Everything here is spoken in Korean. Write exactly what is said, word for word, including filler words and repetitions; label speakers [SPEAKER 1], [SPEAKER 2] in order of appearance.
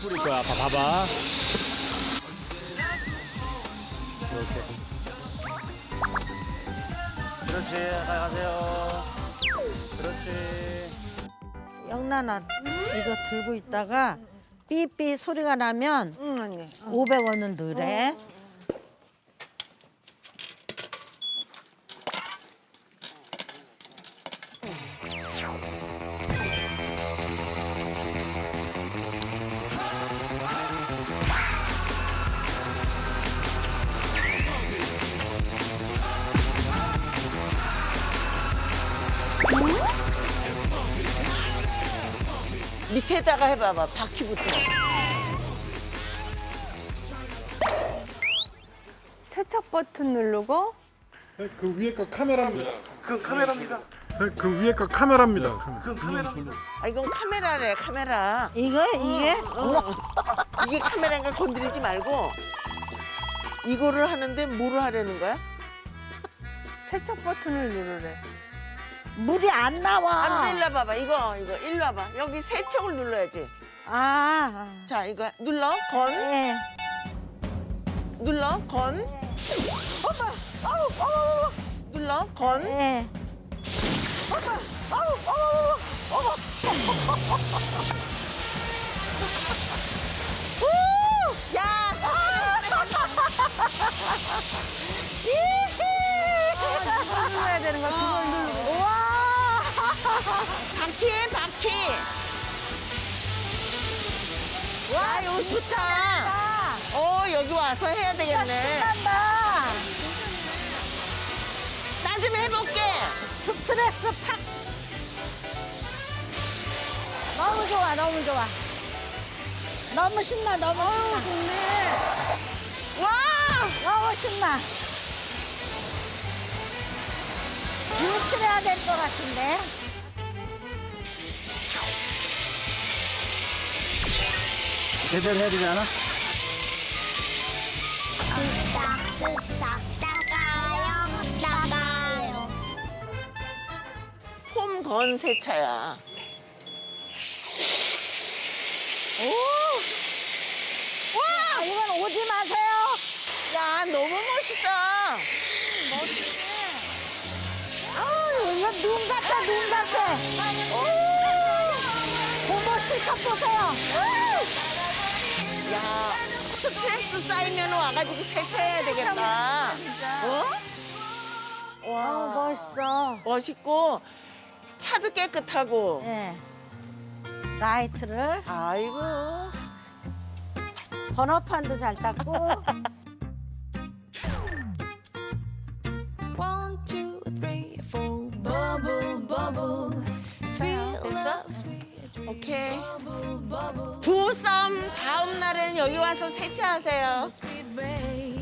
[SPEAKER 1] 뿌릴 거야. 봐, 봐봐. 이렇게. 그렇지. 잘 가세요. 그렇지.
[SPEAKER 2] 영란아 이거 들고 있다가 삐삐 소리가 나면
[SPEAKER 3] 응 언니.
[SPEAKER 2] 오백 원을 넣으래.
[SPEAKER 3] 밑에다가 해봐봐 바퀴부터.
[SPEAKER 4] 세척 버튼 누르고
[SPEAKER 5] 네, 그 위에 거 카메라입니다.
[SPEAKER 6] 그건 카메라입니다.
[SPEAKER 5] 네, 그 위에 거 카메라입니다.
[SPEAKER 6] 그건 카메라입니다.
[SPEAKER 3] 아 이건 카메라래 카메라.
[SPEAKER 2] 이거 이게
[SPEAKER 3] 이게 카메라인가 건드리지 말고 이거를 하는데 뭐를 하려는 거야?
[SPEAKER 4] 세척 버튼을 누르래.
[SPEAKER 2] 물이 안 나와.
[SPEAKER 3] 안 일로 와봐봐 이거 이거 일로 와봐 여기 세척을 눌러야지.
[SPEAKER 2] 아,
[SPEAKER 3] 자 이거 눌러 건
[SPEAKER 2] 예.
[SPEAKER 3] 눌러 건. 엄마 아우 어머 눌러 건.
[SPEAKER 2] 예.
[SPEAKER 3] 아우 어머 어머 우! 야!
[SPEAKER 4] 이걸 눌러야 되는 거야. 그걸 누르고.
[SPEAKER 2] 우와.
[SPEAKER 3] 바퀴에 바퀴. 와 이거 좋다. 어 여기 와서 해야 되겠네.
[SPEAKER 2] 신난다.
[SPEAKER 3] 나 좀 해볼게.
[SPEAKER 2] 스트레스 팍. 너무 좋아, 너무 좋아. 너무 신나, 너무 신나.
[SPEAKER 3] 와!
[SPEAKER 2] 너무 신나. 유출해야 될 것 같은데.
[SPEAKER 1] 제대로 해야 되지 않아?
[SPEAKER 7] 쓱싹 쓱싹 나가요 나가요
[SPEAKER 3] 홈건 세차야.
[SPEAKER 2] 와, 이건 오지 마세요.
[SPEAKER 3] 야 너무 멋있다.
[SPEAKER 2] 아우, 이거 눈 같아, 눈 같아. 고모 실컷 보세요.
[SPEAKER 3] 야 스트레스 쌓이면 와가지고 세차해야 되겠다. 어? 와
[SPEAKER 2] 아우, 멋있어.
[SPEAKER 3] 멋있고 차도 깨끗하고.
[SPEAKER 2] 예. 라이트를
[SPEAKER 3] 아이고.
[SPEAKER 2] 번호판도 잘 닦고.
[SPEAKER 8] One, two, three, four. Bubble, bubble. Sweet
[SPEAKER 3] 됐어?
[SPEAKER 8] love, sweet dream.
[SPEAKER 3] 오케이.
[SPEAKER 8] Bubble, bubble.
[SPEAKER 3] 부부싸움 다음 날에는 여기 와서 세차하세요.
[SPEAKER 8] Sweet rain.